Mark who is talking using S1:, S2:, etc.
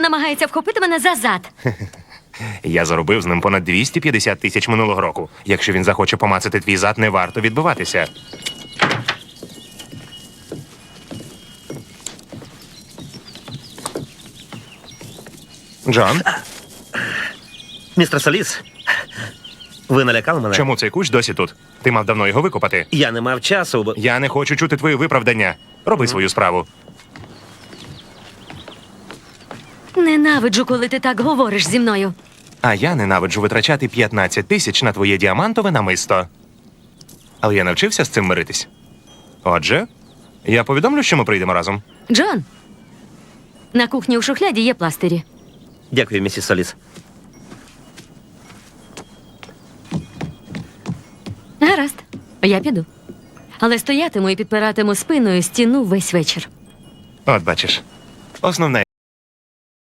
S1: намагається вхопити мене за зад.
S2: Я заробив з ним понад 250 тисяч минулого року. Якщо він захоче помацати твій зад, не варто відбиватися. Джон,
S3: Містер Соліс, ви налякали мене?
S2: чому цей кущ досі тут? Ти мав давно його викопати.
S3: Я не мав часу, бо...
S2: Я не хочу чути твої виправдання. Роби свою справу.
S1: Ненавиджу, коли ти так говориш зі мною.
S2: А я ненавиджу витрачати 15 тисяч на твоє діамантове намисто. Але я навчився з цим миритись. Отже, я повідомлю, що ми прийдемо разом.
S1: Джон, на кухні у шухляді є пластирі.
S3: Дякую, місіс Соліс.
S1: Гаразд, я піду. Але стоятиму і підпиратиму спиною стіну весь вечір.
S2: От бачиш, основне